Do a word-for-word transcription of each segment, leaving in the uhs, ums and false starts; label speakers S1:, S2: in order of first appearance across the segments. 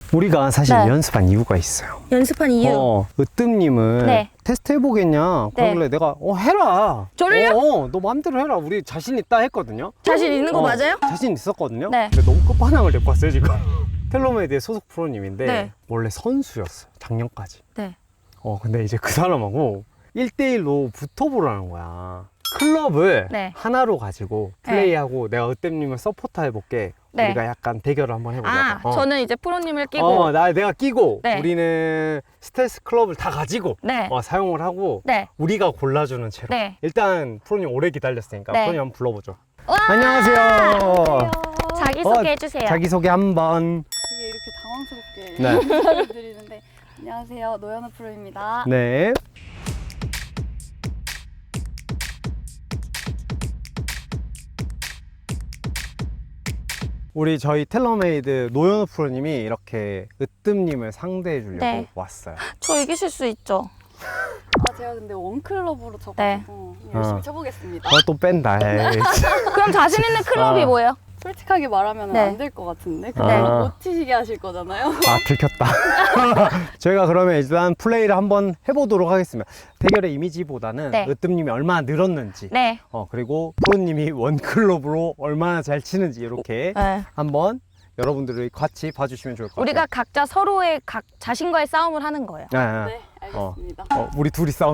S1: 우리가 사실
S2: 네.
S1: 연습한 이유가 있어요.
S2: 연습한 이유.
S1: 어, 으뜸님은
S2: 네.
S1: 테스트 해보겠냐?
S2: 네.
S1: 그러길래 내가 어 해라.
S2: 저를요?
S1: 어, 어, 너 마음대로 해라. 우리 자신 있다 했거든요.
S2: 자신 있는 거
S1: 어,
S2: 맞아요?
S1: 자신 있었거든요.
S2: 네.
S1: 근데 너무 끝판왕을 데리고 왔어요 지금. 텔러메이드의 소속 프로님인데
S2: 네.
S1: 원래 선수였어 작년까지.
S2: 네.
S1: 어 근데 이제 그 사람하고 일 대일로 붙어보라는 거야. 클럽을
S2: 네.
S1: 하나로 가지고 플레이하고 내가 으뜸님을 서포터 해볼게.
S2: 네.
S1: 우리가 약간 대결을 한번 해보자.
S2: 아,
S1: 어.
S2: 저는 이제 프로님을 끼고.
S1: 어, 나 내가 끼고
S2: 네.
S1: 우리는 스텔스 클럽을 다 가지고
S2: 네.
S1: 어, 사용을 하고
S2: 네.
S1: 우리가 골라주는 채로.
S2: 네.
S1: 일단 프로님 오래 기다렸으니까
S2: 네.
S1: 프로님 한번 불러보죠.
S2: 와!
S1: 안녕하세요.
S2: 자기소개 해주세요.
S1: 자기소개 한번.
S3: 되게 이렇게 당황스럽게
S1: 네.
S3: 인사를 드리는데 안녕하세요, 노현우 프로입니다.
S1: 네. 우리 저희 텔러메이드 노현우 프로님이 이렇게 으뜸님을 상대해 주려고
S2: 네.
S1: 왔어요.
S2: 저 이기실 수 있죠?
S3: 아, 제가 근데 원클럽으로 쳐가지고 열심히
S1: 어.
S3: 쳐보겠습니다.
S1: 어, 또 뺀다. 에이.
S2: 그럼 자신 있는 클럽이
S1: 아.
S2: 뭐예요?
S3: 솔직하게 말하면
S2: 네.
S3: 안 될 것 같은데 근데
S1: 아.
S3: 못 치시게 하실 거잖아요.
S1: 아, 들켰다. 저희가 그러면 일단 플레이를 한번 해보도록 하겠습니다. 대결의 이미지보다는
S2: 네.
S1: 으뜸님이 얼마나 늘었는지,
S2: 네.
S1: 어, 그리고 프로님이 원클럽으로 얼마나 잘 치는지 이렇게
S2: 네.
S1: 한번 여러분들이 같이 봐주시면 좋을 것 같아요.
S2: 우리가 각자 서로의 각 자신과의 싸움을 하는 거예요.
S1: 네, 네.
S3: 네, 알겠습니다.
S1: 어, 우리 둘이 싸움.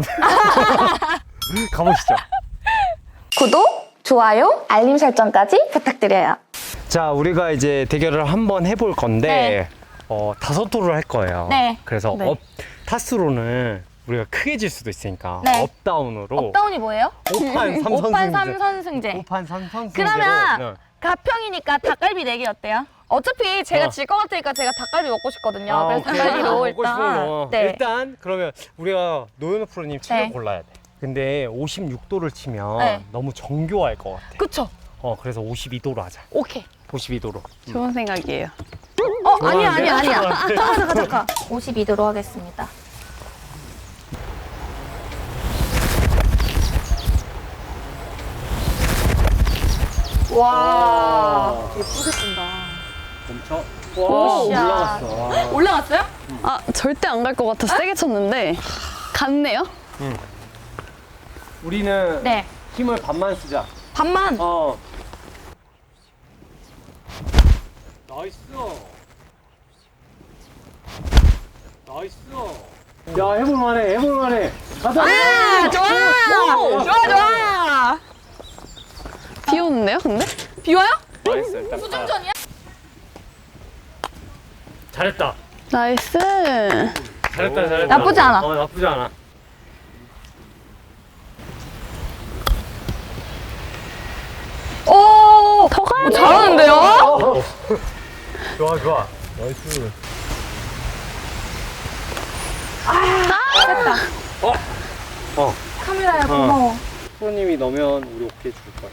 S1: 가보시죠.
S2: 구독, 좋아요, 알림 설정까지 부탁드려요.
S1: 자, 우리가 이제 대결을 한번 해볼 건데
S2: 네.
S1: 어, 다섯 도를 할 거예요.
S2: 네.
S1: 그래서
S3: 네.
S1: 업 타수로는 우리가 크게 질 수도 있으니까
S2: 네.
S1: 업다운으로
S2: 업다운이 뭐예요?
S1: 오판 삼
S2: 오판
S1: 선승제.
S2: 삼 선승제.
S1: 오판 삼 선승제로.
S2: 그러면
S1: 네.
S2: 가평이니까 닭갈비 내기 어때요? 어차피 제가
S1: 어.
S2: 질 것 같으니까 제가 닭갈비 먹고 싶거든요.
S1: 아,
S2: 그래서
S1: 오케이.
S2: 닭갈비로
S1: 먹고
S2: 일단.
S1: 싶은 거.
S2: 네.
S1: 일단 그러면 우리가 노현우 프로님 책을
S2: 네.
S1: 골라야 돼. 근데 오십육 도를 치면
S2: 네.
S1: 너무 정교할 것 같아.
S2: 그쵸?
S1: 어, 그래서 오십이 도로 하자.
S2: 오케이.
S1: 오십이 도로.
S3: 좋은 생각이에요.
S2: 어, 아니야,
S1: 좋아하는데?
S2: 아니야, 아니야. 잠깐, 잠깐, 잠깐. 오십이 도로 하겠습니다. 와.
S3: 예쁘게 뜬다.
S1: 멈춰.
S2: 와,
S1: 올라갔어. 와.
S2: 올라갔어요?
S3: 아, 절대 안 갈 것 같아 세게 쳤는데 갔네요?
S1: 우리는
S2: 네.
S1: 힘을 반만 쓰자.
S2: 반만.
S1: 어. 나이스. 나이스. 야, 해볼만해, 해볼만해. 가자.
S2: 아, 좋아. 좋아, 좋아.
S3: 비 오는데요, 근데?
S2: 비 와요?
S1: 나이스. 일단
S2: 수중전이야?
S1: 잘했다.
S3: 나이스.
S1: 잘했다, 잘했다.
S2: 나쁘지 않아.
S1: 어, 나쁘지 않아.
S2: 오,
S3: 더 가야
S2: 어,
S3: 돼.
S2: 잘하는데요?
S1: 어. 좋아, 좋아. 나이스. 어. 어.
S2: 카메라야, 고마워.
S1: 프로님이 넣으면 우리 오케이 줄 거야.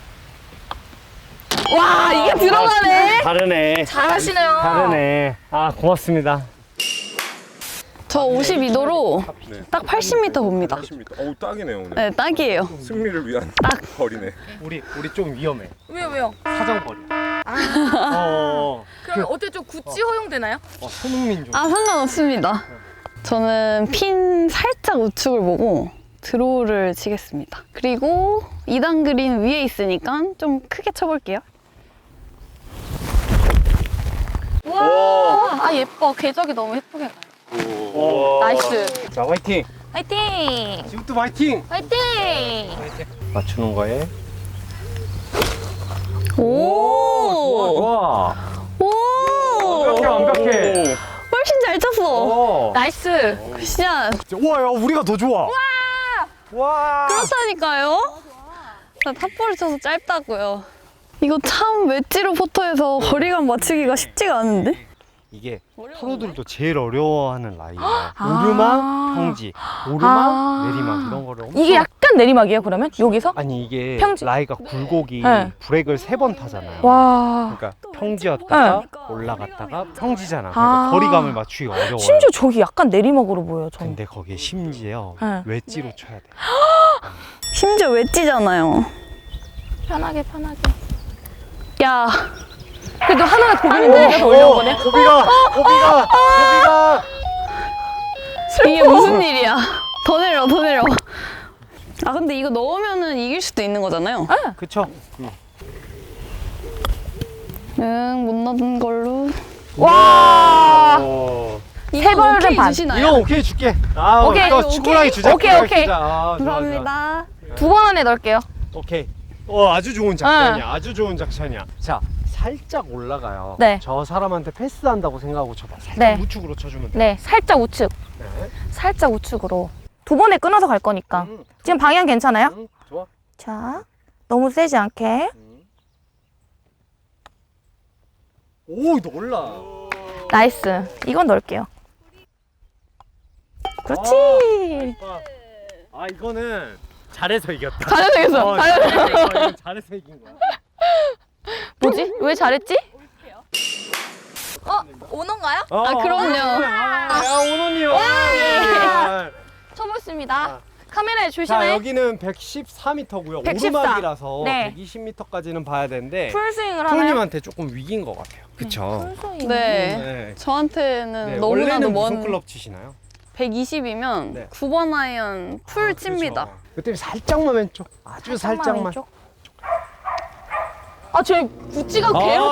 S2: 와, 이게 들어가네.
S1: 다르네.
S2: 잘하시네요.
S1: 다르네. 아, 고맙습니다.
S3: 저 오십이 도로
S4: 네.
S3: 딱 팔십 미터 봅니다.
S4: 팔십 미터. 어우 딱이네요 오늘.
S3: 네, 딱이에요.
S4: 승리를 위한
S3: 딱.
S4: 거리네.
S1: 우리 우리 좀 위험해.
S2: 왜요, 왜요?
S1: 사정거리.
S2: 아,
S1: 어.
S2: 그럼 어때 좀 구찌 허용되나요?
S1: 어, 손흥민 좀.
S3: 아, 상관없습니다. 저는 핀 살짝 우측을 보고 드로우를 치겠습니다. 그리고 이 단 그린 위에 있으니까 좀 크게 쳐볼게요.
S2: 와, 아 예뻐. 궤적이 너무 예쁘게 가요.
S1: 오.
S2: 나이스.
S1: 자, 화이팅.
S2: 화이팅!
S1: 지금도 화이팅.
S2: 화이팅!
S1: 맞추는 거에.
S3: 오!
S1: 좋아.
S3: 오!
S1: 완벽해, 완벽해.
S3: 훨씬 잘 쳤어.
S1: 어.
S2: 나이스!
S3: 굿샷.
S1: 와, 야, 우리가 더 좋아. 와. 와.
S3: 그렇다니까요. 나 탑볼을 쳐서 짧다고요. 이거 참 웨지로 포터에서 거리감 맞추기가 쉽지가 않은데?
S1: 이게 프로들도 제일 어려워하는 라인이야.
S2: 아.
S1: 오르막, 평지, 오르막,
S2: 아.
S1: 내리막 이런 거를 엄청.
S2: 이게 약간 내리막이에요, 그러면? 여기서?
S1: 아니 이게
S2: 평지.
S1: 라이가 굴곡이
S2: 네.
S1: 브렉을 세 번 타잖아요.
S2: 와.
S1: 그러니까 평지였다가
S2: 네.
S1: 올라갔다가 평지잖아.
S2: 아.
S1: 그러니까 거리감을 맞추기 어려워요.
S2: 심지어 저기 약간 내리막으로 보여요, 저는.
S1: 근데 거기에 심지어
S2: 네.
S1: 웨지로 쳐야 돼.
S3: 심지어 웨지잖아요.
S2: 편하게, 편하게.
S3: 야,
S2: 그래도 하나가 고비는데 내가 더 올려온 거네.
S1: 고비가, 고비가, 고비가.
S3: 이게 무슨 일이야? 더 내려, 더 내려. 아 근데 이거 넣으면은 이길 수도 있는 거잖아요.
S1: 그쵸? 응.
S3: 응, 못 넣은 걸로.
S2: 와.
S1: 어.
S3: 이건
S2: 벌은
S3: 오케이
S2: 반.
S3: 주시나요?
S1: 이거 오케이 줄게. 아,
S2: 오케이,
S1: 이거
S3: 오케이.
S1: 치고라기 주자.
S2: 오케이,
S1: 치고라기
S2: 오케이.
S1: 주자. 아, 좋아, 좋아.
S3: 감사합니다.
S2: 두 번 안에 넣을게요.
S1: 오케이. 어, 아주 좋은 작전이야. 아주 좋은 작전이야. 자, 살짝 올라가요.
S2: 네.
S1: 저 사람한테 패스한다고 생각하고 쳐봐. 살짝
S2: 네.
S1: 우측으로 쳐주면 돼.
S2: 네, 살짝 우측.
S1: 네.
S2: 살짝 우측으로. 두 번에 끊어서 갈 거니까.
S1: 응,
S2: 지금 방향 괜찮아요?
S1: 응, 좋아.
S2: 자, 너무 세지 않게.
S1: 응. 오, 놀라.
S2: 나이스. 이건 넣을게요. 그렇지.
S1: 아, 이거는 잘해서 이겼다.
S2: 잘해서 이겼어.
S1: 어, 잘해서 이겼어. 이건 잘해서 이긴 거야.
S2: 뭐지? 왜 잘했지? 어? 오너인가요?
S1: 어,
S3: 아, 그럼요.
S1: 아, 야, 오너님. 아,
S2: 쳐보겠습니다.
S1: 아.
S2: 카메라에
S1: 자,
S2: 조심해.
S1: 여기는 백십사 미터고요.
S2: 백십사.
S1: 오르막이라서
S2: 네.
S1: 백이십 미터까지는 봐야 되는데
S2: 풀스윙을 하나요?
S1: 프로님한테 조금 위기인 것 같아요. 그쵸?
S2: 풀스윙.
S3: 네.
S1: 네.
S3: 저한테는
S1: 네,
S3: 너무나도
S1: 원래는 무슨
S3: 먼
S1: 클럽 치시나요?
S3: 백이십이면
S1: 네.
S3: 구 번 아이언 풀
S1: 아,
S3: 칩니다.
S1: 그렇죠. 그때 살짝만 왼쪽. 아주 살짝만.
S2: 왼쪽. 아, 쟤 구찌가
S1: 아,
S2: 개로.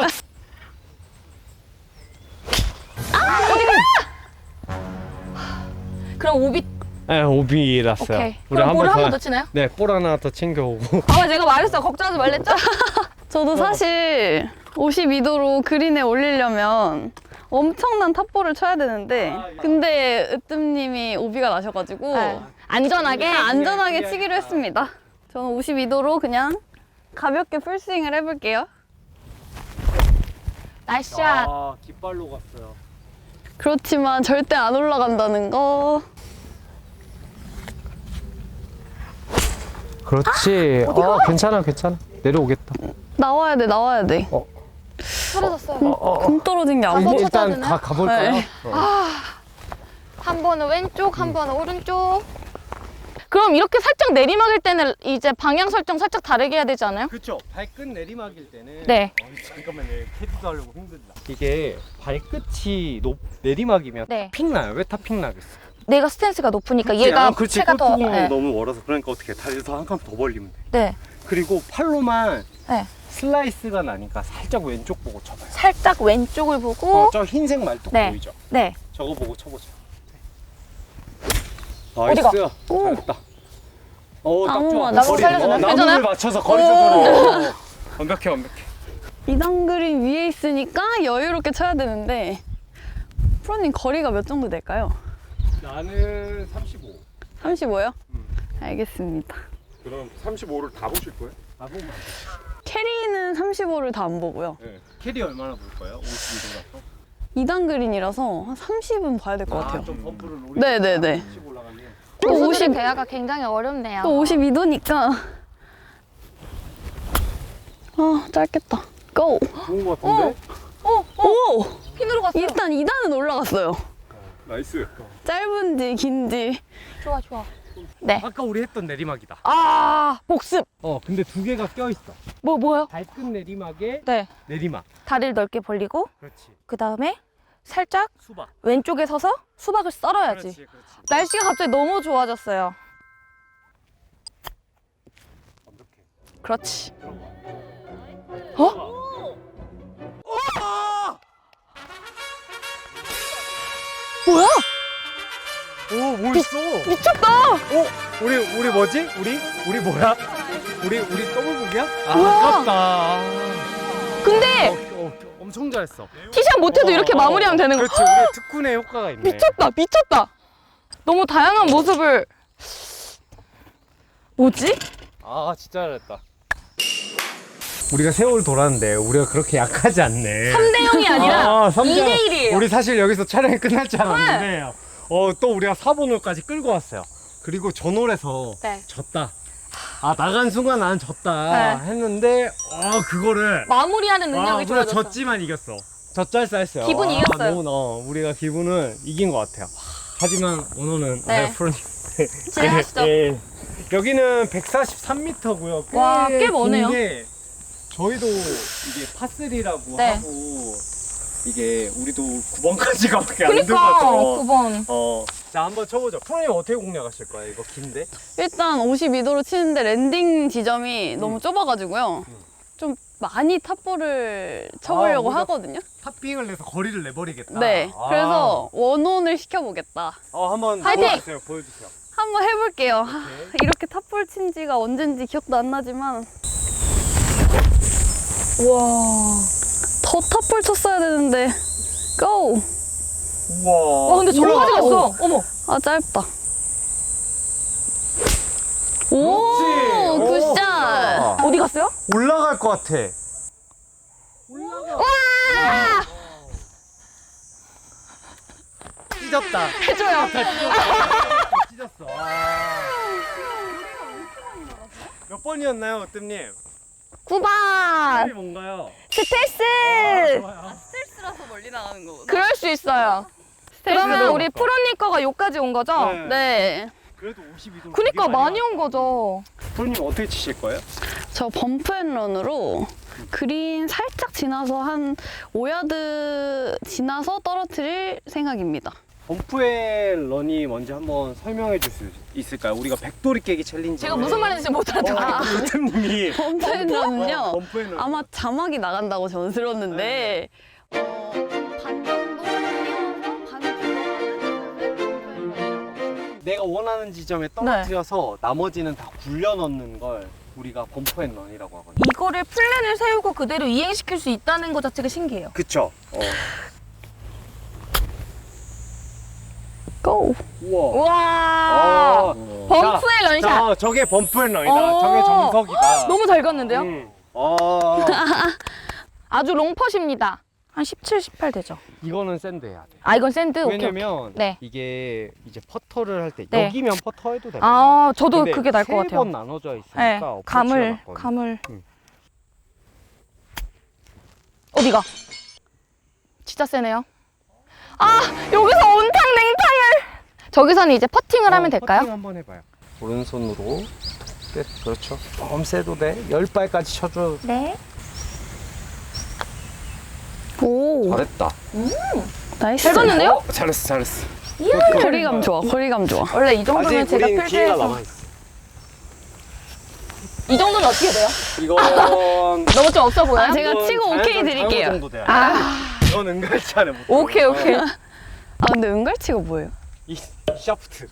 S2: 그럼 오비.
S1: 네, 오비랐어요.
S2: 오케이.
S1: 우리
S2: 그럼 볼을
S1: 더-
S2: 한 번 더 치나요?
S1: 네, 볼 하나 더 챙겨오고.
S2: 아, 제가 말했어. 걱정하지 말랬죠?
S3: 저도 사실 오십이 도로 그린에 올리려면 엄청난 탑볼을 쳐야 되는데 근데 으뜸님이 오비가 나셔가지고
S2: 네. 안전하게.
S3: 그냥 안전하게 치기로 했습니다. 저는 오십이 도로 그냥 가볍게 풀스윙을 해볼게요.
S2: 나이스 샷.
S1: 아, 깃발로 갔어요.
S3: 그렇지만 절대 안 올라간다는 거.
S1: 그렇지. 어, 괜찮아, 괜찮아. 내려오겠다.
S3: 나와야 돼, 나와야 돼.
S2: 떨어졌어요.
S1: 어, 어, 어.
S3: 금 떨어진 게 안
S2: 한번
S3: 보여.
S2: 쳤-
S1: 일단
S2: 되나요?
S1: 가, 가볼까요?
S3: 네.
S1: 어.
S2: 한 번은 왼쪽, 한 번은 오른쪽. 그럼 이렇게 살짝 내리막일 때는 이제 방향 설정 살짝 다르게 해야 되지 않아요?
S1: 그렇죠. 발끝 내리막일 때는
S2: 네.
S1: 어, 잠깐만요. 캐디도 하려고 힘들다. 이게 발끝이 높 내리막이면
S2: 네.
S1: 픽 나요. 왜 탑픽 나겠어?
S2: 내가 스탠스가 높으니까 얘가 체가 더. 네.
S1: 너무 멀어서 그러니까 어떻게 다리에서 한 칸 더 벌리면 돼.
S2: 네.
S1: 그리고 팔로만
S2: 네.
S1: 슬라이스가 나니까 살짝 왼쪽 보고 쳐봐요.
S2: 살짝 왼쪽을 보고.
S1: 어, 저 흰색 말뚝
S2: 네.
S1: 보이죠?
S2: 네.
S1: 저거 보고 쳐보자.
S2: 어디가?
S1: 나이스. 잘했다. 어, 딱
S3: 나무
S1: 좋아.
S3: 맞아.
S2: 나무 살려주네.
S1: 어, 나무를
S2: 괜찮아요?
S1: 맞춰서 거리 조절을. 어, 완벽해, 완벽해.
S3: 이단 그린 위에 있으니까 여유롭게 쳐야 되는데 프로님 거리가 몇 정도 될까요?
S1: 나는 삼십오.
S3: 삼십오요?
S1: 음.
S3: 알겠습니다.
S4: 그럼 삼십오를 다 보실 거예요?
S1: 나보고
S3: 캐리는 삼십오를 다 안 보고요.
S1: 네. 캐리 얼마나 볼 거예요? 오십이 도라서?
S3: 이단 그린이라서 한 삼십은 봐야 될 것 같아요.
S1: 좀 범프를 노리고
S3: 네네네.
S1: 오십 올라가면.
S3: 또
S2: 고수들의
S3: 오십,
S2: 대화가 굉장히 어렵네요.
S3: 또 오십이 도니까. 아, 짧겠다. 고!
S1: 좋은 거 같은데?
S2: 어,
S3: 오!
S2: 핀으로 갔어요.
S3: 일단 이 단은 올라갔어요.
S4: 나이스.
S3: 짧은지 긴지.
S2: 좋아, 좋아. 네.
S1: 아까 우리 했던 내리막이다.
S2: 아, 복습.
S1: 어, 근데 두 개가 껴있어.
S2: 뭐, 뭐요?
S1: 발끝 내리막에
S2: 네.
S1: 내리막.
S2: 다리를 넓게 벌리고,
S1: 그렇지.
S2: 그 다음에 살짝
S1: 수박.
S2: 왼쪽에 서서 수박을 썰어야지.
S1: 그렇지, 그렇지.
S2: 날씨가 갑자기 너무 좋아졌어요.
S1: 완벽해.
S2: 그렇지.
S1: 어?
S2: 뭐야?
S1: 오, 뭐 있어?
S2: 미쳤다!
S1: 어? 우리, 우리 뭐지? 우리? 우리 뭐야? 우리, 우리 더블북이야? 아,
S2: 우와.
S1: 아깝다.
S2: 근데
S1: 어, 어, 엄청 잘했어.
S2: 티샷 못해도
S1: 어,
S2: 이렇게
S1: 어,
S2: 마무리하면 되는 거.
S1: 그렇지, 우리 특훈의 효과가 있네.
S2: 미쳤다, 미쳤다. 너무 다양한 모습을. 뭐지?
S1: 아, 진짜 잘했다. 우리가 세월 돌았는데 우리가 그렇게 약하지 않네.
S2: 삼 대 영이 아니라
S1: 아, 삼 대
S2: 이 대 일이에요.
S1: 우리 사실 여기서 촬영이 끝날 줄 알았는데 어, 또 우리가 사 번홀까지 끌고 왔어요. 그리고 전홀에서
S2: 네.
S1: 졌다. 아, 나간 순간 난 졌다
S2: 네.
S1: 했는데 어, 그거를
S2: 마무리하는
S1: 아,
S2: 능력이
S1: 우리가
S2: 좋아졌어.
S1: 졌지만 이겼어. 젖잘싸했어요.
S2: 기분이
S1: 아,
S2: 이겼어요.
S1: 너무 어, 우리가 기분은 이긴 것 같아요. 하지만 오늘은
S2: 네.
S1: 아, 프로님
S2: 진행하시죠.
S1: 예, 예. 여기는 백사십삼 미터고요.
S2: 와, 꽤 머네요.
S1: 긴게 저희도 이게 파쓰리라고
S2: 네.
S1: 하고 이게 우리도 구 번까지 가밖에 안
S2: 그니까
S1: 돼서
S2: 구 번.
S1: 어. 자 한번 쳐보죠. 프로님 어떻게 공략하실 거예요? 이거 긴데?
S3: 일단 오십이 도로 치는데 랜딩 지점이 너무 좁아가지고요. 좀 많이 탑볼을 쳐보려고
S1: 아, 우리가-
S3: 하거든요.
S1: 탑빙을 내서 거리를 내버리겠다.
S3: 네.
S1: 아.
S3: 그래서 원온을 시켜보겠다.
S1: 어 한번
S2: 화이팅!
S1: 보여주세요. 보여주세요.
S3: 한번 해볼게요. 하,
S1: 오케이.
S3: 이렇게 탑볼 친 지가 언젠지 기억도 안 나지만
S2: 우와.
S3: 더 탑볼 쳤어야 되는데 고!
S1: 우와.
S2: 와 근데 저기까지 갔어. 어머.
S3: 아 짧다. 오!
S1: 그렇지. 오.
S3: 굿샷!
S2: 어디 갔어요?
S1: 올라갈 것 같아.
S2: 와!
S1: 찢었다.
S2: 해줘요.
S1: 찢었어. 아. 몇 번이었나요, 으뜸님?
S2: 구 번.
S1: 이 뭔가요?
S2: 스텔스.
S1: 좋아요.
S3: 스트레스라서 멀리 나가는 거구나.
S2: 그럴 수 있어요. 그러면 우리 프로님 거가 여기까지 온 거죠?
S1: 네.
S3: 네.
S1: 그래도 오십이 도.
S2: 그니까 많이 온 거죠.
S1: 프로님 어떻게 치실 거예요?
S3: 저 범프앤런으로 그린 살짝 지나서 한 오 야드 지나서 떨어뜨릴 생각입니다.
S1: 범프의 런이 뭔지 한번 설명해 줄 수 있을까요? 우리가 백돌이 깨기 챌린지.
S2: 제가 무슨 말인지 못 알아듣어요.
S1: 으뜸님이
S3: 범프앤런은요.
S1: 범프의 런.
S3: 아마 자막이 나간다고 저는 들었는데 어, 반 정도 뛰어서 반을 들어가는
S1: 내가 원하는 지점에 떨어뜨려서 나머지는 다 굴려 넣는 걸 우리가 범프앤런이라고 하거든요.
S2: 이거를 플랜을 세우고 그대로 이행시킬 수 있다는 것 자체가 신기해요.
S1: 그쵸? 어.
S3: 고!
S1: 우와.
S2: 우와.
S1: 아.
S2: 범프의 런샷.
S1: 자, 저게 범프앤런이다.
S2: 어.
S1: 저게 정석이다.
S2: 너무 잘 갔는데요?
S1: 음. 어.
S2: 아주 롱퍼십니다. 한 십칠, 십팔 되죠.
S1: 이거는 샌드 해야 돼.
S2: 아 이건 샌드? 오케이, 오케이.
S1: 왜냐면
S2: 네.
S1: 이게 이제 퍼터를 할 때
S2: 네.
S1: 여기면 퍼터 해도 되거든요.
S2: 아 저도
S1: 근데
S2: 그게 나을 것 같아요.
S1: 세 번 나눠져 있으니까
S2: 네.
S1: 어프로치가
S2: 감을
S1: 맞거든요.
S2: 감을
S1: 음.
S2: 어디가? 진짜 세네요. 아 여기서 온탕 냉탕을. 저기서는 이제 퍼팅을 하면 될까요?
S1: 어, 퍼팅 한번 해봐요. 오른손으로 끝. 그렇죠. 좀 세도 돼. 열 발까지 쳐줘.
S2: 네.
S3: 오!
S1: 잘했다.
S3: 나이스!
S2: 잘 갔는데요?
S1: 어, 잘했어, 잘했어.
S3: 거리감 좋아, 거리감 좋아.
S2: 원래 이 정도면
S1: 아직
S2: 제가
S1: 우린 기회가
S2: 필드에서
S1: 남아 있어.
S2: 이 정도는 어떻게 돼요?
S1: 이건
S2: 너무 좀 없어 보여요?
S3: 아, 제가
S1: 이건
S3: 치고 오케이
S1: 자연스러운
S3: 드릴게요.
S1: 장어 정도 돼요.
S2: 아
S1: 이건 은갈치 안에 못.
S2: 오케이
S1: 들어가요.
S2: 오케이.
S3: 아, 근데 은갈치가 뭐예요?
S1: 이 샤프트.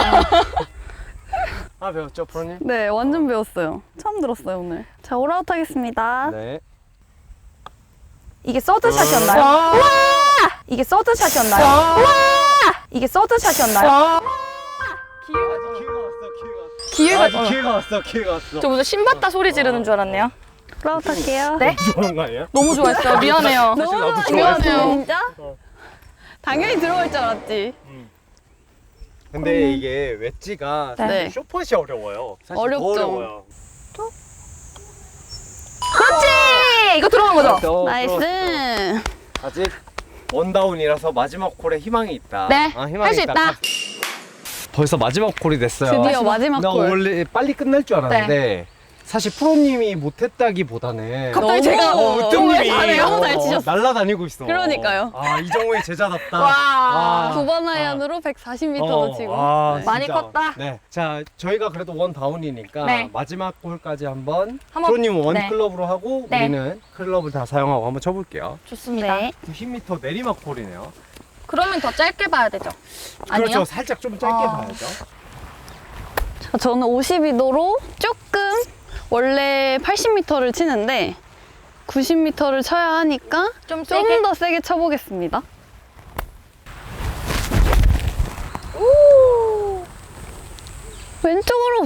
S1: 아 배웠죠, 프로님?
S3: 네, 완전 배웠어요. 처음 들었어요, 오늘. 자, 올아웃 하겠습니다.
S1: 네.
S2: 이게 서드샷이었나요?
S1: 와!
S2: 이게 서드샷이었나요?
S1: 와!
S2: 이게 서드샷이었나요?
S1: 와! 기회가 왔어, 기회가 왔어.
S2: 기회가
S1: 아직 기회가 왔어, 기회가 왔어.
S2: 저 무슨 신봤다 소리 지르는 줄 알았네요.
S3: 올아웃 할게요.
S2: 네?
S1: 좋아한 거 아니야?
S2: 너무 좋아했어요. 미안해요.
S1: 사실 나도
S3: 좋아하죠,
S2: 좋아했어요.
S3: 진짜?
S1: 어.
S3: 당연히 들어갈 줄 알았지.
S1: 근데 이게 웨지가
S2: 네.
S1: 사실 쇼폿이 어려워요. 사실
S3: 어렵죠.
S1: 더 어려워요.
S2: 그렇지! 이거 들어간 거죠?
S1: 어,
S3: 나이스.
S1: 들어왔어. 아직 원다운이라서 마지막 콜에 희망이 있다.
S2: 네,
S1: 아, 희망이
S2: 할 수 있다.
S1: 벌써 마지막 콜이 됐어요.
S3: 드디어 마지막
S1: 나
S3: 골.
S1: 원래 빨리 끝날 줄 알았는데 사실 프로님이 못했다기보다는
S2: 갑자기 제가
S3: 너무
S1: 어, 으뜸님이
S3: 잘해요. 너무 잘 치셨어.
S1: 날라다니고 있어.
S3: 그러니까요.
S1: 아 이정우의 제자답다.
S2: 와.
S1: 아.
S3: 두 번 아이언으로 백사십 미터로
S1: 어,
S3: 치고.
S1: 아,
S3: 네.
S2: 많이
S1: 진짜.
S2: 컸다.
S1: 네, 자 저희가 그래도 원 다운이니까
S2: 네.
S1: 마지막 골까지 한번
S2: 한번-
S1: 프로님 원
S2: 네.
S1: 클럽으로 하고
S2: 네.
S1: 우리는 클럽을 다 사용하고 한번 쳐볼게요.
S2: 좋습니다.
S3: 네.
S1: 구십 미터 내리막 콜이네요.
S2: 그러면 더 짧게 봐야 되죠? 아니요?
S1: 그렇죠. 살짝 좀 짧게
S2: 아.
S1: 봐야죠.
S3: 자, 저는 오십이 도로 조금 원래 팔십 미터를 치는데 구십 미터를 쳐야 하니까
S2: 좀 세게?
S3: 좀 더 세게 쳐보겠습니다.
S2: 오!
S3: 왼쪽으로.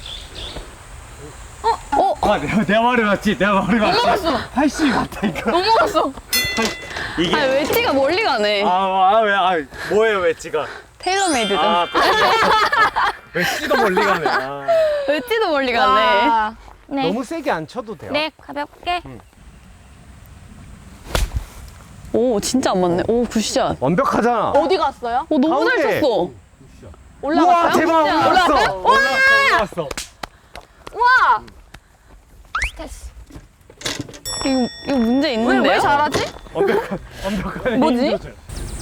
S3: 어?
S1: 아 내가 내 말이 맞지? 내가 말이 맞지?
S2: 넘어갔어.
S1: 팔십이 맞다니까.
S2: 넘어갔어.
S1: 이게
S3: 아, 웨지가 멀리 가네.
S1: 아왜 아, 뭐예요 웨지가?
S3: 테일러메이드죠.
S1: 아 웨지도 멀리 가네. 아.
S3: 웨지도 멀리 가네.
S2: 와. 네.
S1: 너무 세게 안 쳐도 돼요.
S2: 네, 가볍게.
S3: 오, 진짜 안 맞네. 오, 굿샷.
S1: 완벽하잖아.
S2: 어디 갔어요?
S3: 오, 너무
S1: 가운데.
S3: 잘 쳤어.
S1: 우와
S2: 올라갔어요?
S1: 대박
S3: 진짜.
S1: 올라왔어.
S2: 올라갔어요?
S1: 올라왔어. 올라왔어.
S2: 우와! 스트레스.
S3: 이거, 이거 문제
S2: 왜,
S3: 있는데요?
S2: 왜 잘하지?
S1: 완벽한 완벽한
S2: 뭐지?
S1: 힘 조절.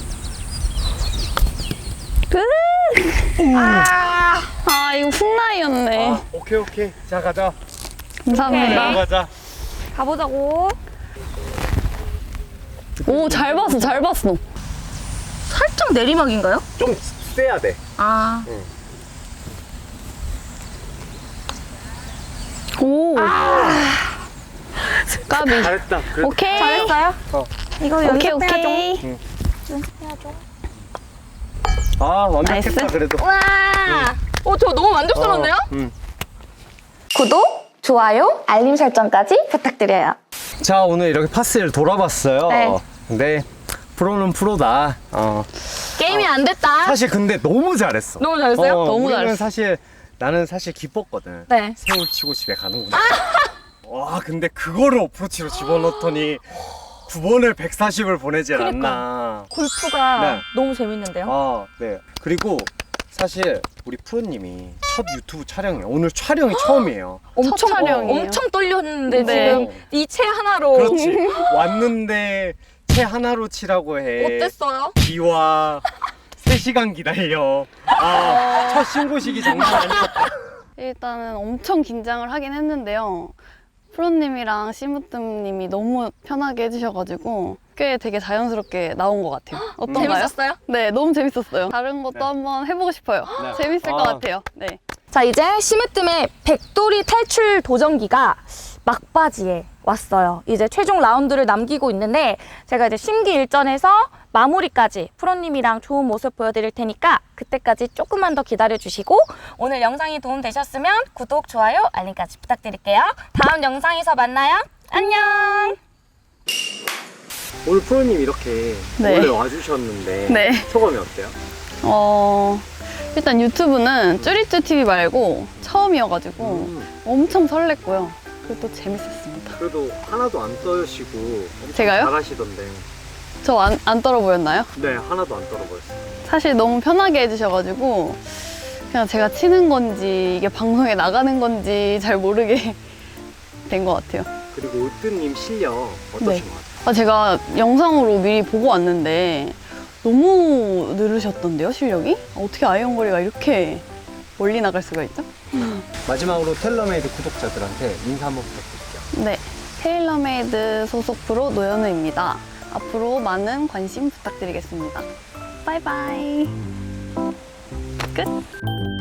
S2: 아,
S3: 아, 이거 훅라이였네.
S1: 아, 오케이 오케이. 자 가자.
S3: 감사합니다.
S2: 오케이.
S1: 가자.
S2: 가보자고.
S3: 오, 잘 봤어, 잘 봤어.
S2: 살짝 내리막인가요?
S1: 좀 세야 돼.
S2: 아.
S3: 오. 까비.
S1: 잘했다. 그래.
S3: 오케이.
S2: 잘했어요?
S1: 어.
S2: 이거
S3: 오케이,
S2: 연습해야죠.
S3: 오케이.
S2: 연습해야죠.
S1: 아 완벽했다
S3: 나이스.
S1: 그래도.
S2: 와. 어, 저 너무 만족스러운데요?
S1: 어, 음.
S2: 구독, 좋아요, 알림 설정까지 부탁드려요.
S1: 자 오늘 이렇게 파스를 돌아봤어요.
S2: 네.
S1: 근데 프로는 프로다. 어.
S2: 게임이 안 됐다.
S1: 사실 근데 너무 잘했어.
S2: 너무 잘했어요?
S1: 어,
S3: 너무
S1: 우리는
S3: 잘했어.
S1: 사실 나는 사실 기뻤거든.
S2: 네.
S1: 세울 치고 집에 가는구나. 와 근데 그거를 어프로치로 집어넣더니 구 번을 백사십을 보내질
S2: 그러니까.
S1: 않나.
S2: 골프가
S1: 네.
S2: 너무 재밌는데요?
S1: 아 네. 그리고 사실 우리 프로님이 첫 유튜브 촬영이에요. 오늘 촬영이 처음이에요.
S2: 엄청
S3: 첫 촬영이에요.
S2: 엄청 떨렸는데
S3: 네.
S2: 지금 이 채 하나로
S1: 그렇지. 왔는데 채 하나로 치라고 해.
S2: 어땠어요?
S1: 비와 세 시간 기다려. 아, 첫 신고식이 장난 아니었다.
S3: 일단은 엄청 긴장을 하긴 했는데요. 프로님이랑 시무뜸님이 너무 편하게 해주셔가지고 꽤 되게 자연스럽게 나온 것 같아요. 어떤가요?
S2: 재밌었어요?
S3: 네, 너무 재밌었어요. 다른 것도
S1: 네.
S3: 한번 해보고 싶어요.
S1: 네.
S3: 재밌을
S1: 아.
S3: 것 같아요. 네.
S2: 자, 이제 심으뜸의 백돌이 탈출 도전기가 막바지에 왔어요. 이제 최종 라운드를 남기고 있는데 제가 이제 심기일전에서 마무리까지 프로님이랑 좋은 모습 보여드릴 테니까 그때까지 조금만 더 기다려주시고 오늘 영상이 도움되셨으면 구독, 좋아요, 알림까지 부탁드릴게요. 다음 영상에서 만나요. 안녕!
S1: 오늘 프로님 이렇게
S3: 네.
S1: 원래 와주셨는데
S3: 네.
S1: 소감이 어때요?
S3: 어, 일단 유튜브는 쭈리쭈티비 말고 처음이어가지고
S1: 음,
S3: 엄청 설렜고요. 그리고 또 재밌었습니다.
S1: 그래도 하나도 안 떠시고 엄청
S3: 제가요?
S1: 잘하시던데.
S3: 저 안 안 떨어 보였나요?
S1: 네, 하나도 안 떨어버렸어요.
S3: 사실 너무 편하게 해주셔가지고 그냥 제가 치는 건지 이게 방송에 나가는 건지 잘 모르게 된 것 같아요.
S1: 그리고 올드님 실력 어떠신
S3: 네.
S1: 것 같아요?
S3: 아, 제가 영상으로 미리 보고 왔는데 너무 늘으셨던데요, 실력이? 어떻게 아이언거리가 이렇게 멀리 나갈 수가 있죠?
S1: 마지막으로 텔러메이드 구독자들한테 인사 한번 부탁드릴게요.
S3: 네, 테일러메이드 소속 프로 노현우입니다. 앞으로 많은 관심 부탁드리겠습니다. 바이바이. 끝.